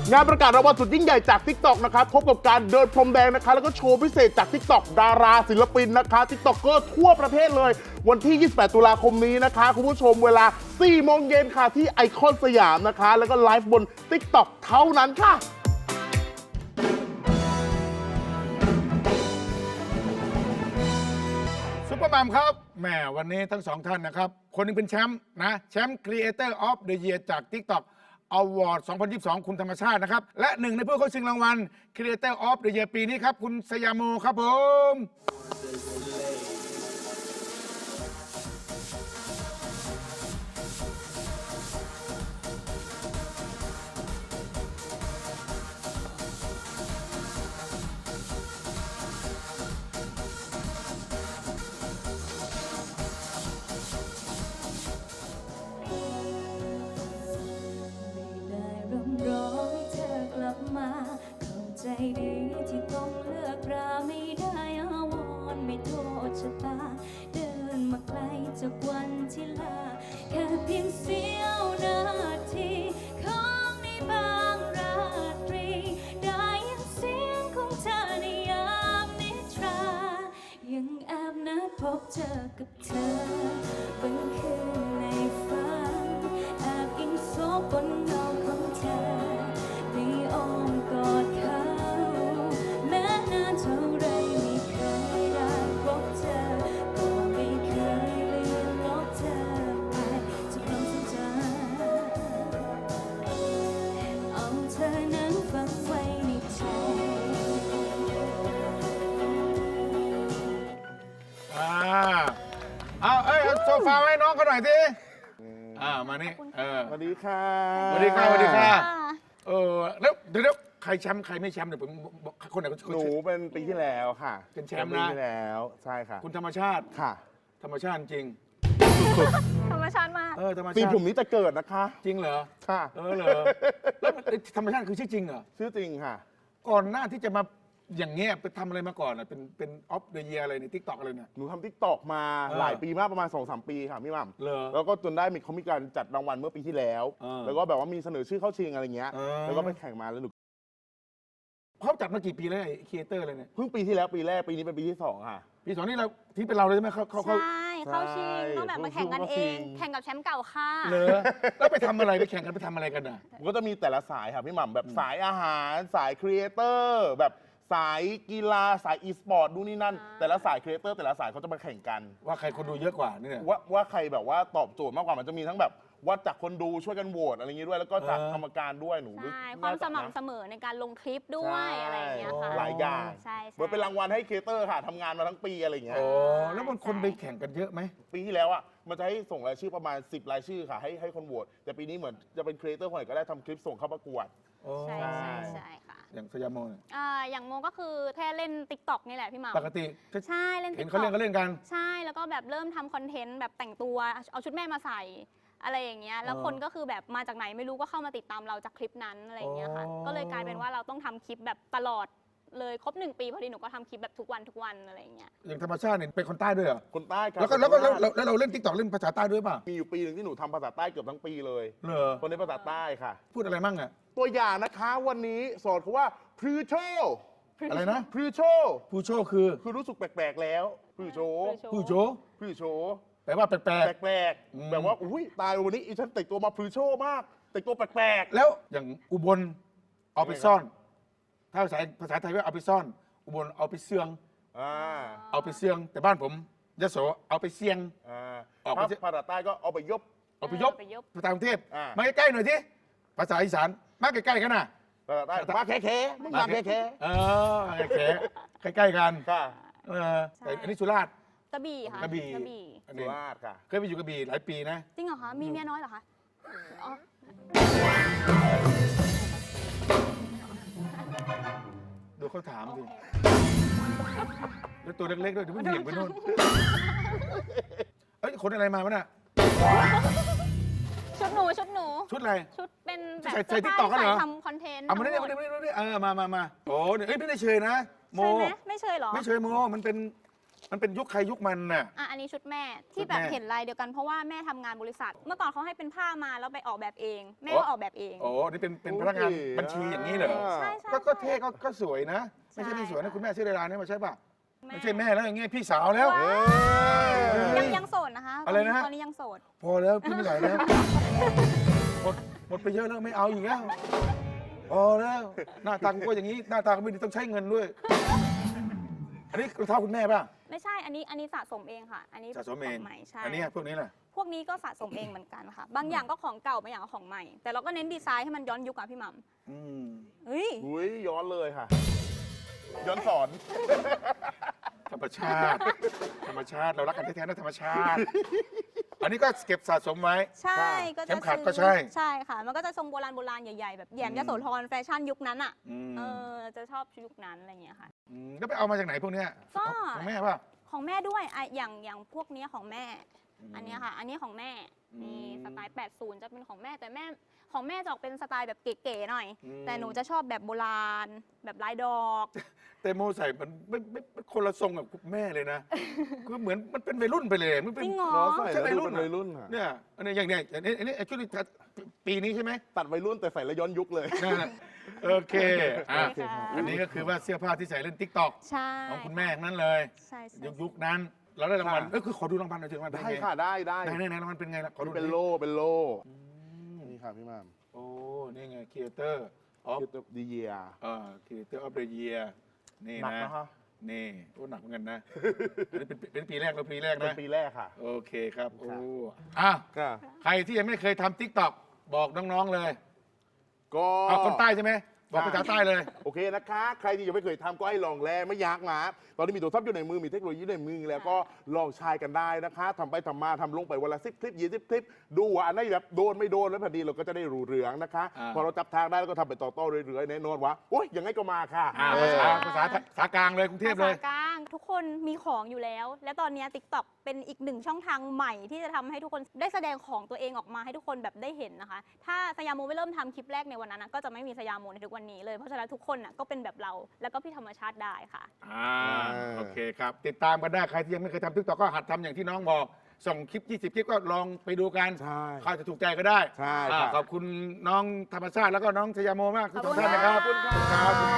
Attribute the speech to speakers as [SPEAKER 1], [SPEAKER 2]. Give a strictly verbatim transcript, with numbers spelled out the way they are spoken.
[SPEAKER 1] งานประกาศรางวัลสุดยิ่งใหญ่จาก ติ๊กต็อก นะคะพบกับการเดินพรมแดงนะคะแล้วก็โชว์พิเศษจาก ติ๊กต็อก ดาราศิลปินนะคะ ติ๊กต็อกเกอร์ทั่วประเทศเลยวันที่ ยี่สิบแปด ตุลาคมนี้นะคะคุณผู้ชมเวลา สี่โมงเย็นค่ะที่ไอคอนสยามนะคะแล้วก็ไลฟ์บน ติ๊กต็อก เท่านั้นค่ะ
[SPEAKER 2] ซุปเปอร์มัมครับแหมวันนี้ทั้งสองท่านนะครับคนนึงเป็นแชมป์นะแชมป์ Creator of the Year จาก TikTok Award สองพันยี่สิบสอง คุณธรรมชาตินะครับและหนึ่งในผู้เข้าชิงรางวัล Creator of the Year ปีนี้ครับคุณสยามโมครับผม
[SPEAKER 3] ใจดีที่ต้องเลือกราไม่ได้อาวรไม่โทษชะตาเดินมาไกลจากวันที่ลาแค่เพียงเสี้ยวนาทีของในบางราตรีได้ยินเสียงของเธอในยามนิทรายังแอบนัดพบเจอกับเธอบนคืนในฝันแอบอิงโซบบนเงาของเธอในอ้อมกอดเขาแม้นานเท่าไรไม่เคยได้พบเธอก็ไม่เคยลืมลบเธอไปจากความทรงจำเอาเธอนั้นฝังไว้ในใจ
[SPEAKER 2] อ่าเอาเอ้ยเอาโซฟาไว้น้องเขาหน่อยสิอ่ามานี่เออ
[SPEAKER 1] สวัสดีค่ะ
[SPEAKER 2] สวัสดีค่ะสวัสดีค่ะเออแล้วเดี๋ยวใครแชมป์ใครไม่แชมป์เดี๋ยวผมบอกคนไหนคน
[SPEAKER 1] หนูเป็นปีที่แล้วค่ะ
[SPEAKER 2] เป็นแชมป์นะ
[SPEAKER 1] ปีที่แล้วใช่ค่ะ
[SPEAKER 2] คุณธรรมชาติ
[SPEAKER 1] ค่ะ
[SPEAKER 2] ธรรมชาติจริง
[SPEAKER 3] ธรรมชาติมาก
[SPEAKER 2] เออธรรมชาติ
[SPEAKER 1] ปีผมนี้จะเกิดนะคะ
[SPEAKER 2] จริงเหรอ
[SPEAKER 1] ค่ะ
[SPEAKER 2] เออเหรอแล้วธรรมชาติคือชื่อจริงเหรอ
[SPEAKER 1] ชื่อจริงค่ะ
[SPEAKER 2] ก่อนหน้าที่จะมาอย่างเงี้ยไปทำอะไรมาก่อนอ่ะเป็นเป็นออฟเดอะเยียอะไรในทิกตอกอะไรเนี่ย
[SPEAKER 1] หนูทำทิกตอกมา
[SPEAKER 2] เออ
[SPEAKER 1] หลายปีมากประมาณ สองสาม ปีค่ะพี่หม่ำ
[SPEAKER 2] เหรอ
[SPEAKER 1] แล้วก็จนได้มีเขามีการจัดรางวัลเมื่อปีที่แล้ว
[SPEAKER 2] เออ
[SPEAKER 1] แล้วก็แบบว่ามีเสนอชื่อเข้าชิงอะไรเงี้ย
[SPEAKER 2] เออ
[SPEAKER 1] แล้วก็ไปแข่งมาแล้วหนู
[SPEAKER 2] เขาจัดมากี่ปีแล้วไอ้ครีเอเตอร์อะไรเนี่ย
[SPEAKER 1] เพิ่งปีที่แล้วปีแรกปีนี้เป็นปีที่สองค่ะ
[SPEAKER 2] ปีสองนี่เราที่เป็นเราเลยใช่ไหมเขาเขาเขา
[SPEAKER 3] ใช่เข้าชิงต้องแบบมาแข่งกันเอง แข่งกับแชมป์เก่าค่ะ
[SPEAKER 2] เหรอแล้วไปทำอะไรไปแข่งกันไปทำอะไรกันอ่ะ
[SPEAKER 1] มันก็จะมีแต่ละสายค่ะพี่หม่ำแบบสายอาหารสายครีเอเตอร์แบบสายกีฬาสายอีสปอร์ตดูนี่นั่น แต่ละสายครีเอเตอร์แต่ละสายเขาจะมาแข่งกัน
[SPEAKER 2] ว่าใครคนดูเยอะกว่านี่เนี่ย
[SPEAKER 1] ว่าว่าใครแบบว่าตอบโจทย์มากกว่ามันจะมีทั้งแบบวัดจากคนดูช่วยกันโหวตอะไรอย่างงี้ด้วย แล้วก็จาก
[SPEAKER 2] เออ
[SPEAKER 1] กรรมการด้วยหนู
[SPEAKER 3] ใช่ความสม่ำเสมอในการลงคลิปด้วยอะไรอย่างเงี้ยค่ะ
[SPEAKER 1] หลายอย่าง
[SPEAKER 3] ใช่
[SPEAKER 1] เหมือนเป็นรางวัลให้ครีเอเตอร์ค่ะทำงานมาทั้งปีอะไรอย่างเงี้ย
[SPEAKER 2] โอ้แล้วมันคนไปแข่งกันเยอะไหม
[SPEAKER 1] ปีที่แล้วอ่ะมันจะให้ส่งรายชื่อประมาณสิบรายชื่อค่ะให้ให้คนโหวตแต่ปีนี้เหมือนจะเป็นครีเอเตอร์คนไหนก็ได้ทำคลิปส่งเข้าประกวด
[SPEAKER 2] โอ้
[SPEAKER 3] ใช่ใช่ใช่ค่ะ
[SPEAKER 2] อย่างสยามโมเนี่ย
[SPEAKER 3] อ่าอย่างโมก็คือแค่เล่น ติ๊กต็อก นี่แหละพี่หม่ำ
[SPEAKER 2] ปกติก็
[SPEAKER 3] ใช่เล่น
[SPEAKER 2] เห็
[SPEAKER 3] ติ๊
[SPEAKER 2] น
[SPEAKER 3] ก
[SPEAKER 2] เขา
[SPEAKER 3] ต็
[SPEAKER 2] เล่
[SPEAKER 3] อน ก
[SPEAKER 2] ก็เล่นกัน
[SPEAKER 3] ใช่แล้วก็แบบเริ่มทำคอนเทนต์แบบแต่งตัวเอาชุดแม่มาใส่อะไรอย่างเงี้ยแล้ว
[SPEAKER 2] เออ
[SPEAKER 3] คนก็คือแบบมาจากไหนไม่รู้ก็เข้ามาติดตามเราจากคลิปนั้นอะไรอย่างเงี้ยค่ะ
[SPEAKER 2] อ๋อ
[SPEAKER 3] ก็เลยกลายเป็นว่าเราต้องทำคลิปแบบตลอดเลยครบหนึ่งปีพอดีหนูก็ทำคลิปแบบทุกวันทุกวันอะไรอย่างเงี้ย
[SPEAKER 2] อย่างธรรมชาติเนี่ยเป็นคนใต้ด้วยเหรอ
[SPEAKER 1] คนใต้ครับ
[SPEAKER 2] แล้วก็แล้วก็แล้วแล้วแล้วเราเล่นทิกตอกเล่นภาษาใต้ด้วยป่ะ
[SPEAKER 1] มีอยู่ปีหนึ่งที่หนูทำภาษาใต้เกือบทั้งปีเลย
[SPEAKER 2] เหรอ
[SPEAKER 1] คนในภาษาใต้ค่ะ
[SPEAKER 2] พูดอะไรมั่งอ่ะ
[SPEAKER 1] ตัวอย่างนะคะวันนี้สอนเขาว่าพรือโช
[SPEAKER 2] อะไรนะ
[SPEAKER 1] พรือโช
[SPEAKER 2] ผู้โชคคือ
[SPEAKER 1] คือรู้สึกแปลกๆแล้วพรือโช
[SPEAKER 2] ผู้โชค
[SPEAKER 1] พรือโช
[SPEAKER 2] แปลว่าแปลก
[SPEAKER 1] แปลก
[SPEAKER 2] อืม
[SPEAKER 1] ๆแบบว่าอุ้ยตายวันนี้อีฉันแต่งตัวมาพรือโชมาก แต่งตัวแปลก
[SPEAKER 2] ๆแล้วอย่างอุบลเอาไปซ่อน ถ้าภาษาภาษาไทยว่าเอาไปซ่อน อุบลเอาไปเสื่อง
[SPEAKER 1] ๆอ่า
[SPEAKER 2] เอาไปเสื่อง แต่บ้านผมยโสเอาไปเสียง
[SPEAKER 1] อ่า
[SPEAKER 2] ออกไป
[SPEAKER 1] ภา
[SPEAKER 2] สิ
[SPEAKER 1] ภาษาใต้ก็เอาไปยบ
[SPEAKER 2] เอาไปยบ
[SPEAKER 3] เอาไปยบ
[SPEAKER 2] ภาษากรุงเทพ
[SPEAKER 1] อ่า
[SPEAKER 2] มาใกล้ๆหน่อยทีภาษาอีสานมาใกล้ๆกันนะ
[SPEAKER 1] ภาษาใต้มาแค่แค่ๆมึงมาแค่แค่
[SPEAKER 2] เออแค่ใกล้ๆกัน
[SPEAKER 1] ๆค่ะ
[SPEAKER 2] เออแต่อันนี้สุราษฎร์
[SPEAKER 3] กระบี่ค่ะ
[SPEAKER 2] กระบี่
[SPEAKER 3] กระบี่
[SPEAKER 2] อัน
[SPEAKER 1] สุ
[SPEAKER 2] นี้
[SPEAKER 1] ราษฎร์ค่ะ
[SPEAKER 2] เคยไปอยู่กระบี่หลายปีนะ
[SPEAKER 3] จริงเหรอคะมีเมียน้อยเหรอคะอ๋อ
[SPEAKER 2] ดูเขาถามสิแล้วตัวเล็กๆด้วยเดี๋ยวมันเหวี่ยงไปนู่นเอ้ยขนอะไรมาวะน่ะ
[SPEAKER 3] ชุดหนูชุดหนู
[SPEAKER 2] ชุดอะไร
[SPEAKER 3] ชุดเป็นแบบ
[SPEAKER 2] ใส่ใส่ TikTok กันเหรอ
[SPEAKER 3] ใส่ทำคอนเทนต์
[SPEAKER 2] เอามาได้
[SPEAKER 3] ทั้งห
[SPEAKER 2] มา
[SPEAKER 3] ด
[SPEAKER 2] ได้มาได้เออมามามาโอ้เนี่ยเอ้ยไม่ได้เชยนะโม
[SPEAKER 3] ใช่ไหมไม่เชยเหรอ
[SPEAKER 2] ไม่เชยโมมันเป็นมันเป็นยุคใครยุคมันน่ะ
[SPEAKER 4] อ่ะอันนี้ชุดแม่
[SPEAKER 2] ชุ
[SPEAKER 4] ที่
[SPEAKER 2] ด
[SPEAKER 4] แบบ
[SPEAKER 2] แม่
[SPEAKER 4] เห็นลายเดียวกันเพราะว่าแม่ทำงานบริษัท เมื่อก่อนเขาให้เป็นผ้ามาแล้วไปออกแบบเอง แม่
[SPEAKER 2] โอ้
[SPEAKER 4] ก็ออกแบบเอง
[SPEAKER 2] โอ้นี่เป็นเป็นพนักงานบัญชีอย่างนี้เหรอ
[SPEAKER 4] ใช่ใช่
[SPEAKER 2] ก็ก็
[SPEAKER 4] ใช่
[SPEAKER 2] เท่ก็ก็สวยนะ ไม่ใช่
[SPEAKER 4] ใช่
[SPEAKER 2] ไม่สวยนะคุณแม่ชื่อดาราเนี่ยมาใช่ป่ะ
[SPEAKER 4] แม่
[SPEAKER 2] ไม่ใช่แม่แล้วอย่างเงี้ยพี่สาวแล้ว
[SPEAKER 4] ว้าว
[SPEAKER 2] เฮ้
[SPEAKER 4] ยังยังโสดนะคะ
[SPEAKER 2] อะไรนะฮะ
[SPEAKER 4] ตอนนี้ยังโสด
[SPEAKER 2] พอแล้วพี่ไม่ไหวแล้วหมดหมดไปเยอะแล้วไม่เอาอีกแล้วพอแล้วหน้าตากูก็อย่างนี้หน้าตาก็ไม่ดีต้องใช้เงินด้วย อันนี้รองเท้าคุณแม่ป่ะ
[SPEAKER 4] ไม่ใช่ อันนี้อันนี้สะสมเองค่ะ อันนี้
[SPEAKER 2] สะสมเอง
[SPEAKER 4] ขใหม่ใช่
[SPEAKER 2] อันนี้พวกนี้แหละ
[SPEAKER 4] พวกนี้ก็สะสมเองเหมือนกันค่ะ บางอย่างก็ของเก่าบางอย่างก็ของใหม่ แต่เราก็เน้นดีไซน์ให้มันย้อนยุคอะพี่หมัม
[SPEAKER 2] อืม
[SPEAKER 4] เฮ้ย
[SPEAKER 1] อุ้ยย้อนเลยค่ะ ย้อนสอน
[SPEAKER 2] ธรรมชาติ ธรรมชาติเรารักกันแท้ๆนะธรรมชาติ อันนี้ก็เก็บสะสมไว้
[SPEAKER 4] ใช่ก็
[SPEAKER 2] เข็
[SPEAKER 4] จะ
[SPEAKER 2] มขัด
[SPEAKER 4] ซื้อ
[SPEAKER 2] ก็ใช่
[SPEAKER 4] ใช่ค่ะ มันก็จะทรงโบราณโบราณใหญ่ๆ แบบแหยม
[SPEAKER 2] อืม
[SPEAKER 4] ยโสธรแฟชั่นยุคนั้นอ่ะ
[SPEAKER 2] อืม
[SPEAKER 4] เออ จะชอบยุคนั้นอะไรอย่างเงี้ยค่ะ
[SPEAKER 2] มแล้วไปเอามาจากไหนพวกเนี้ย
[SPEAKER 4] ก็
[SPEAKER 2] ของแม่ป่ะ
[SPEAKER 4] ของแม่ด้วยอ่ะอย่างอย่างพวกเนี้ยของแม่
[SPEAKER 2] อืม
[SPEAKER 4] อันเนี้ยค่ะ อันนี้ของแม่
[SPEAKER 2] อืม
[SPEAKER 4] มีสไตล์ แปดสิบ จะเป็นของแม่ แต่แม่ของแม่จะออกเป็นสไตล์แบบเก๋ๆหน่อย
[SPEAKER 2] อืม
[SPEAKER 4] แต่หนูจะชอบแบบโบราณ แบบลายดอก
[SPEAKER 2] แต่โมใส่มันไม่ไม่ไม่คนละทรงกับแม่เลยนะ คือเหมือนมันเป็นวัยรุ่นไปเลยมันเป็น
[SPEAKER 4] จริงเหรอ
[SPEAKER 1] น้องใส่
[SPEAKER 2] ใช่
[SPEAKER 1] แล้ว
[SPEAKER 2] วัย
[SPEAKER 1] ดู
[SPEAKER 2] รุ่น
[SPEAKER 1] เป็น
[SPEAKER 2] อะ
[SPEAKER 1] วัยรุ่นค่ะ
[SPEAKER 2] เนี่ยอันนี้อย่างเนี้ยอันนี้อันนี้ชุดนี้ปีนี้ใช่ไหม
[SPEAKER 1] ตัดวัยรุ่นแต่ใส่แล้วย้อนยุคเลย
[SPEAKER 2] นั่นแหละโอเคอ่ะ
[SPEAKER 4] โอเคค่ะ
[SPEAKER 2] อันนี้ก็คือว่าเสื้อผ้าที่ใส่เล่นติ๊กต็อก
[SPEAKER 4] ใช่
[SPEAKER 2] ของคุณแม่ทั้งนั้นเลย
[SPEAKER 4] ใช่ใช่
[SPEAKER 2] ยุคยุคนั้น เราได้รางวัล
[SPEAKER 1] ค่ะ
[SPEAKER 2] เออคือขอดูรางวัลหน่อยสิรางวัลเป็น
[SPEAKER 1] ได้
[SPEAKER 2] ไง
[SPEAKER 1] ค่ะได้ได้
[SPEAKER 2] ไหนไหนไหนรางวัลเป็นไงล่ะขอดูหอย
[SPEAKER 1] เป็นโล่เป็นโล่
[SPEAKER 2] อืม
[SPEAKER 1] นี่ค่ะพี่หมาม
[SPEAKER 2] โอ้ นี่ไง Creator of
[SPEAKER 1] คือดีเยีย
[SPEAKER 2] เอ่อ Creator of the Year นี่
[SPEAKER 1] หนัก
[SPEAKER 2] นะ
[SPEAKER 1] นะคะ
[SPEAKER 2] นี่โอ้หนักเหมือนกันนะ อันนี้เป็นเป็นปีแรกแล้วปีแรก
[SPEAKER 1] เป็น
[SPEAKER 2] นะ
[SPEAKER 1] ปีแรกค่ะ
[SPEAKER 2] โอเคครับ โอ้
[SPEAKER 1] ครับ
[SPEAKER 2] อ่ะ
[SPEAKER 1] ค่ะ
[SPEAKER 2] ใครที่ยังไม่เคยทำ TikTok บอกน้องๆเลย
[SPEAKER 1] ก็
[SPEAKER 2] เอาคนใต้ใช่ไหม บอกภาษาใต้เลย
[SPEAKER 1] โอเคนะคะ ใครที่ยังไม่เคยทำก็ให้ลองแลไม่ยากนะตอนนี้มีโทรศัพท์อยู่ในมือมีเทคโนโลยีในมือแล้วก็ลองใช้กันได้นะคะทำไปทำมาทำลงไปวันละสิบคลิปยี่สิบคลิป ดูว่าอันไหนแบบโดนไม่โดนแล้วพอดีเราก็จะได้รู้เรื่องนะคะ
[SPEAKER 2] อ่า
[SPEAKER 1] พอเราจับทางได้แล้วก็ทำไปต่อๆเรื่อยๆแน่นอนว่าโอ๊ยยังไงก็มาค่ะ
[SPEAKER 2] อ่า
[SPEAKER 1] เอ
[SPEAKER 2] ภา
[SPEAKER 1] อ
[SPEAKER 2] ษาภาษาภาษากลางเลยกรุงเทพเลย
[SPEAKER 4] ภาษากลางทุกคนมีของอยู่แล้ว และตอนนี้ TikTok เป็นอีกหนึ่งช่องทางใหม่ที่จะทำให้ทุกคนได้แสดงของตัวเองออกมาให้ทุกคนแบบได้เห็นนะคะ ถ้าสยามโมไม่เริ่มทำคลิปแรกในวันนั้นนะก็จะไม่มีสยามโมในทุกวันนี้เลย เพราะฉะนั้นทุกคนน่ะก็เป็นแบบเราแล้วก็พี่ธรรมชาติได้ค่ะ
[SPEAKER 2] อ่า โอเคครับ ติดตามกันได้ ใครที่ยังไม่เคยทำ TikTok ก็หัดทำอย่างที่น้องบอก ส่งคลิป ยี่สิบ คลิปก็ลองไปดูกัน
[SPEAKER 1] ใช่
[SPEAKER 2] เขาจะถูกใจก็ได้
[SPEAKER 1] ใช่
[SPEAKER 2] อ่า
[SPEAKER 1] ครับ
[SPEAKER 2] ขอบคุณน้องธรรมชาติแล้วก็น้องชยาโมมากทั้งสองท่าน
[SPEAKER 4] ขอบคุณ
[SPEAKER 2] นะครับ
[SPEAKER 4] ค่ะ
[SPEAKER 2] ครับ